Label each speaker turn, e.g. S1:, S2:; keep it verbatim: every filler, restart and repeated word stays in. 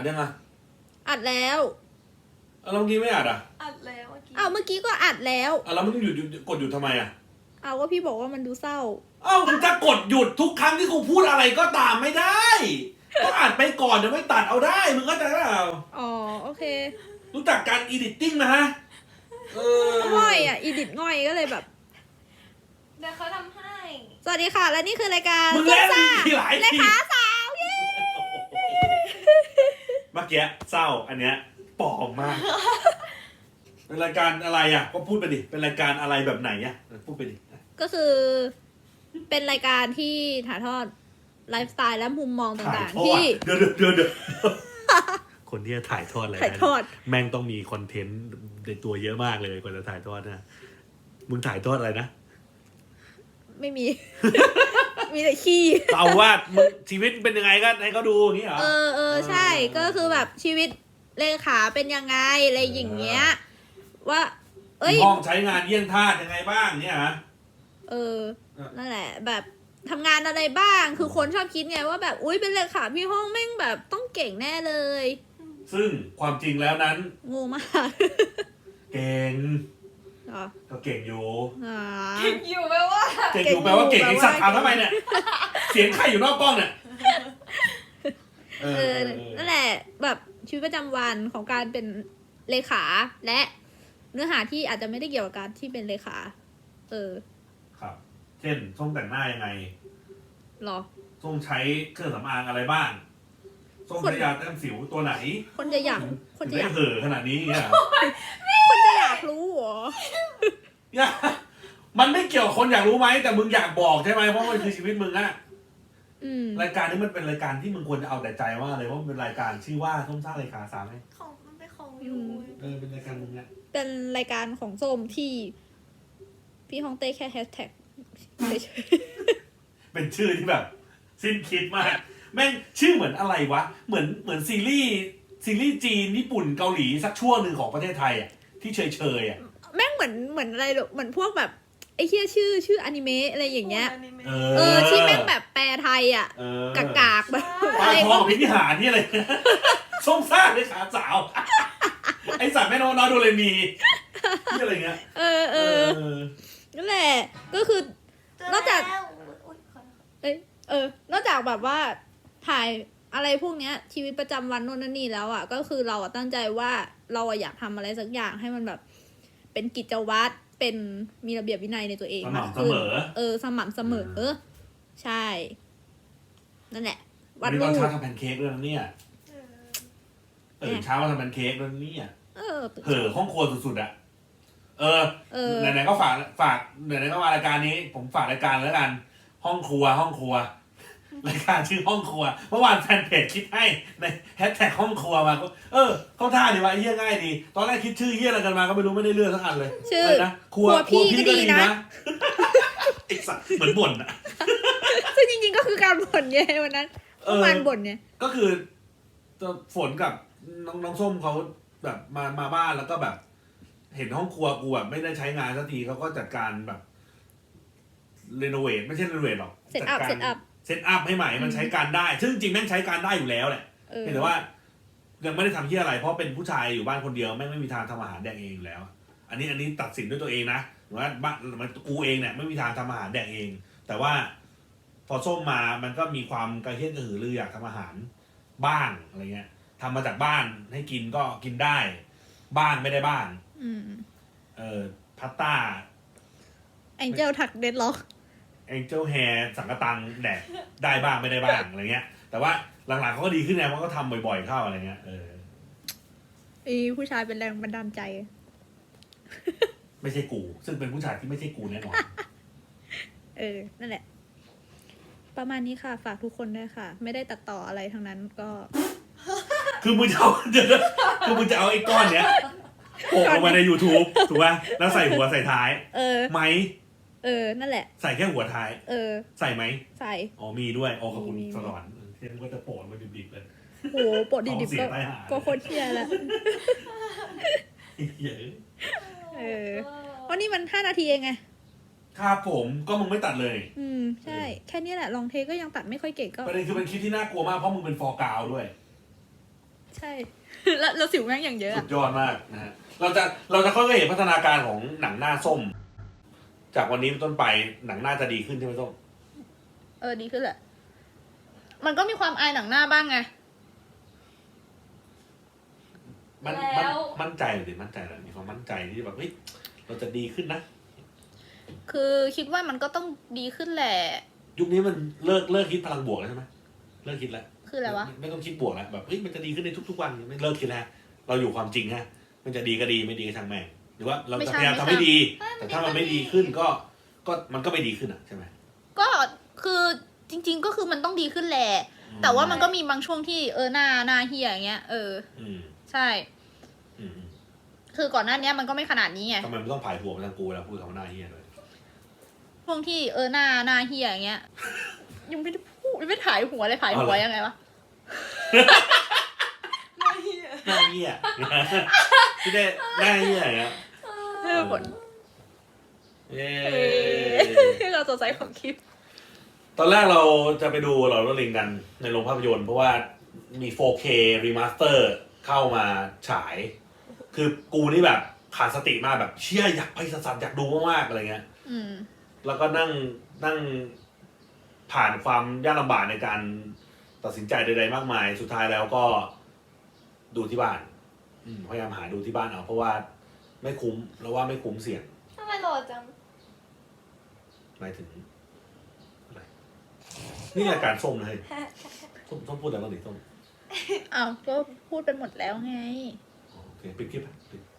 S1: ยังอ่ะ
S2: อัดแล้ว
S1: แล้วเมื่อกี้ไม่อัดอ่ะ
S3: อัดแล้วเมื่อกี้
S2: อ้าวเมื่อกี้ก็อัดแล้ว
S1: อ่ะแล้วมึงหยุดกดหยุดทำไมอ่ะ
S2: อ้าวก็พี่บอกว่ามันดูเศร้า
S1: อ้าวมึงจะกดหยุดทุกครั้งที่กูพูดอะไรก็ตามไม่ได้ก็อัดไปก่อนเดี๋ยวไม่ตัดเอาได้มึงก็จะเปล่า
S2: อ๋อโอเค
S1: รู้จักการอีดิตติ้งนะฮะเออ
S2: ง่อยอ่ะอีดิทง่อยก็เลยแบบ
S3: เดี๋ยวเขาทำให้
S2: สวัสดีค่ะและนี่คือรายการ
S1: มึงเล่นทีหลายที
S2: เลขาสาวเย้
S1: เมื่อกี้เศร้าอันเนี้ยปลอมมากเป็นรายการอะไรอ่ะก็พูดไปดิเป็นรายการอะไรแบบไหนอ่ะพูดไปดิ
S2: ก็คือเป็นรายการที่ถ่ายทอดไลฟ์สไตล์และมุมมองต่างๆที่
S1: เดี๋ยวเดี๋ยวเดี๋ยวคนที่จะถ่ายทอดอะไร
S2: ถ่ายทอด
S1: แม่งต้องมีคอนเทนต์ในตัวเยอะมากเลยกว่าจะถ่ายทอดนะมึงถ่ายทอดอะไรนะ
S2: ไม่มี มีแต่ขี้
S1: เอาว่ามึงชีวิตเป็นยังไงก็ให้เขาดูอย่างนี้เหรอ
S2: เออเออใช่ก็คือแบบชีวิตเลขาเป็นยังไงอะไรอย่างเงี้ยว่า
S1: เอ้ยห้องใช้งานเยี่ยงทาสยังไงบ้างเนี่ยฮะ
S2: เออนั่นแหละแบบทำงานอะไรบ้างคือคนชอบคิดไงว่าแบบอุ้ยเป็นเลขาพี่ห้องแม่งแบบต้องเก่งแน่เลย
S1: ซึ่งความจริงแล้วนั้น
S2: งูมาก
S1: เก่งก็เก่งอยู่
S3: เก่งอยู่แปลว่า
S1: เก่งอยู่แปลว่าเก่งไอ้สัตว์ถามทำไมเนี่ยเสียงใครอยู่นอกกล้องเนี่ย
S2: เออนั่นแหละแบบชีวิตประจำวันของการเป็นเลขาและเนื้อหาที่อาจจะไม่ได้เกี่ยวกับการที่เป็นเลขาเออ
S1: ครับเช่นส้มแต่งหน้ายังไง
S2: หรอ
S1: ส้มใช้เครื่องสำอางอะไรบ้างส้มใช้ยาแต้มสิวตัวไหน
S2: คนจะอยากคนจะอยาก
S1: เห่อขนาดนี้เนี่ย
S2: คนจะอยากรู้เหรอ
S1: เนี่ยมันไม่เกี่ยวคนอยากรู้ไหมแต่มึงอยากบอกใช่ไหมเพราะมันคือชีวิตมึงอะรายการนี้มันเป็นรายการที่มึงควรจะเอาแต่ใจว่าเลยว่ามันเป็นรายการชื่อว่าส้มซ่ารายการสามไหม
S3: ของมันเป็นของอยู่
S1: เออเป็นรายการมึงอะ
S2: เป็นรายการของส้มที่พี่ฮองเต้แค่แฮชแท็ก
S1: เป็นชื่อที่แบบสิ้นคิดมากแม่งชื่อเหมือนอะไรวะเหมือนเหมือนซีรีส์ซีรีส์จีนญี่ปุ่นเกาหลีสักช่วงหนึ่งของประเทศไทยอ่ะที่เฉยเฉยอ่ะ
S2: แม่งเหมือนเหมือนอะไรเหมือนพวกแบบไอ้เหี้ยชื่อชื่ออนิเมะอะไรอย่างเงี้ย
S1: เอ
S2: อเออที่แม่งแบบแปลไทยอ่ะกากากแบบ
S1: อะไรทองพิธีหารนี่อะไรส้มซ่าในขาสาวไอสัตว์แม่นอนอดูเลยมีที่อะไรเงี้ย
S2: เออเออนั่นแหละก็คือนอกจากเออเออนอกจากแบบว่าถ่ายอะไรพวกเนี้ยชีวิตประจำวันโน่นนั่นนี่แล้วอ่ะก็คือเราอ่ะตั้งใจว่าเราอ่ะอยากทำอะไรสักอย่างให้มันแบบเป็นกิจวัตรเป็นมีระเบียบวินัยในตัวเอง
S1: มากขึ้น
S2: เออสม่ำเสมอเออใช่นั่นแหละ
S1: วันนี้ตอนเช้าทำแพนเค้กด้วยนะเนี่ยเออเช้ามาทำแพนเค้กด้วยเนี่ยเออเห่อห้องครัวสุดๆอ่ะเออไหนๆก็ฝากฝากไหนๆก็มารายการนี้ผมฝากรายการแล้วกันห้องครัวห้องครัวรายการชื่อห้องครัวเมื่อวานแฟนเพจคิดให้ในแฮชแท็กห้องครัวมาเออเข้าท่าดีว่าเฮี้ยง่ายดีตอนแรกคิดชื่อเฮี้ยอะไรกันมาก็ไม่รู้ไม่ได้เลือกสักอันเลย
S2: ชื่อ
S1: นะครัวครัวพี่ก็ดีนะไอ้สัตว์เหมือนบ่นอ่ะ
S2: ซึ่งจริงๆก็คือการบ่นไงวันนั้นประมาณบ่นเนี่ย
S1: ก็คือฝนกับน้องน้องส้มเขาแบบมามาบ้านแล้วก็แบบ เห็นห้องครัวกูแบบไม่ได้ใช้งานสักทีเขาก็จัดการแบบเรโนเวทไม่ใช่เรโนเวทหรอก
S2: เซตอัพเซตอัพ
S1: เซตอัพให้ใหม่มันใช้การได้ซึ่งจริงแม่งใช้การได้อยู่แล้วแหละแต่ว่ายังไม่ได้ทำที่อะไรเพราะเป็นผู้ชายอยู่บ้านคนเดียวแม่งไม่มีทางทำอาหารแดกเองอยู่แล้วอันนี้อันนี้ตัดสินด้วยตัวเองนะว่าบ้านมันกูเองเนี่ยไม่มีทางทำอาหารแดกเองแต่ว่าพอส้มมามันก็มีความกระเฮี้ยนกระหือรืออยากทำอาหารบ้างอะไรเงี้ยทำมาจากบ้านให้กินก็กินได้บ้างไม่ได้บ้างเออพาสต้า
S2: แองเจิลถักเดดล็อก
S1: แองเจิลแฮร์สังกะตังแดกได้บ้างไม่ได้บ้างอะไรเงี้ยแต่ว่าหลังๆเขาก็ดีขึ้นไงเพราะเขาทำบ่อยๆเข้าอะไรเงี้ยเออ
S2: ไอ้ผู้ชายเป็นแรงบันดาลใจ
S1: ไม่ใช่กูซึ่งเป็นผู้ชายที่ไม่ใช่กูแน่นอน
S2: เออนั่นแหละประมาณนี้ค่ะฝากทุกคนด้วยค่ะไม่ได้ตัดต่ออะไรทั้งนั้นก็
S1: คือมึงจะเอาคือมึงจะเอาไอ้ก้อนเนี้ยโปะลงมาใน YouTube ถูกป่ะแล้วใส่หัวใส่ท้าย
S2: เออ
S1: ไหม
S2: เออนั่นแหละ
S1: ใส่แค่หัวท้าย
S2: เออ
S1: ใส่ไหม
S2: ใส่
S1: อ๋อมีด้วยอ๋อขอบคุณสวรรค์เที่ยงก็จะโปะมาดิบๆเลย
S2: โหโปะดิบๆก็ก็โคตรเที่ยแล้วเออเพราะนี่มันห้านาทีเองไง
S1: ครับผมก็มึงไม่ตัดเลย
S2: อืมใช่แค่นี้แหละลองเทก็ยังตัดไม่ค่อยเก่งก็
S1: ประเด็นคือเป็นคลิปที่น่ากลัวมากเพราะมึงเป็นฟอร์กาวด้วย
S2: ใช่ แล้วแล้วสิวแม่งอย่างเยอะ
S1: สุ
S2: อะ
S1: ดยอดมากนะฮะเราจะเราจะค่อยๆเห็นพัฒนาการของหนังหน้าส้ม จากวันนี้เป็นต้นไปหนังหน้าจะดีขึ้นใช่ไหมส้ม
S2: เออดีขึ้นแหละ มันก็มีความอายหนังหน้าบ้างไง
S1: มันมันมั่นใจหรือมั่นใจหรือมีความมั่นใจที่แบบเฮ้ยเราจะดีขึ้นนะ
S2: คือคิดว่ามันก็ต้องดีขึ้นแหละ
S1: ยุคนี้มันเลิกเลิกคิดพลังบวกแล้วใช่ไหมเลิกคิดแล้ว
S2: คืออะไรวะ
S1: ไม่ไม่ต้องคิดบวกแล้วแบบเฮ้ยมันจะดีขึ้นในทุกๆวันไม่เลิกคิดแล้วเราอยู่ความจริงฮะมันจะดีก็ดีไม่ดีก็ช่างแม่งหรือว่าเราจะพยายามทำให้ดี แต่ถ้ามันไม่ดีขึ้นก็ก็มันก็ไม่ดีขึ้นอ่ะใช่ไหม
S2: ก็คือจริง ๆ ก็คือมันต้องดีขึ้นแหละ แต่ว่ามันก็มีบางช่วงที่เออหน้าหน้าเฮียอย่างเงี้ย เออ
S1: อืม
S2: ใช่
S1: อืมอืม
S2: คือก่อนหน้านี้มันก็ไม่ขนาดนี้ไง
S1: ทำไมมันต้องผายหัวมาทางกูแล้วพูดคำว่าหน้าเฮียเลย
S2: ช่วงที่เออหน้าหน้าเฮียอย่างเงี้ย ยังไม่ได้พูดยังไม่ถ่ายหัวเลยถ่ายหัวยังไงวะ
S3: ไม่เหี้ย
S1: หน้าเฮียพี่ได้หน้าเฮียอย่างเงี้ย
S2: เออผล
S1: เย้
S2: ที่เราสดใสของคลิป
S1: ตอนแรกเราจะไปดูหลอดลิงกันในโรงภาพยนตร์เพราะว่ามี โฟร์เค Remaster เข้ามาฉาย คือกูนี่แบบขาดสติมากแบบเชี่ยอยากไปสัสๆอยากดูมากๆอะไรเงี้ย
S2: อืม
S1: แล้วก็นั่งนั่งผ่านความยากลำบากในการตัดสินใจใดๆมากมาย สุดท้ายแล้วก็ดูที่บ้านอืมพยายามหาดูที่บ้านเอาเพราะว่าไม่คุ้มแล้วว่าไม่คุ้มเสี่ยง
S3: ทำไมหล่อจัง
S1: หมายถึงอะไรนี่รายการส้มนะเฮ้ยส้มส้มพูดอะไรบ้างดิส้ม
S2: อ้าวก็พูดไปหมดแล้วไง
S1: โอเคปิดคลิปไปปิด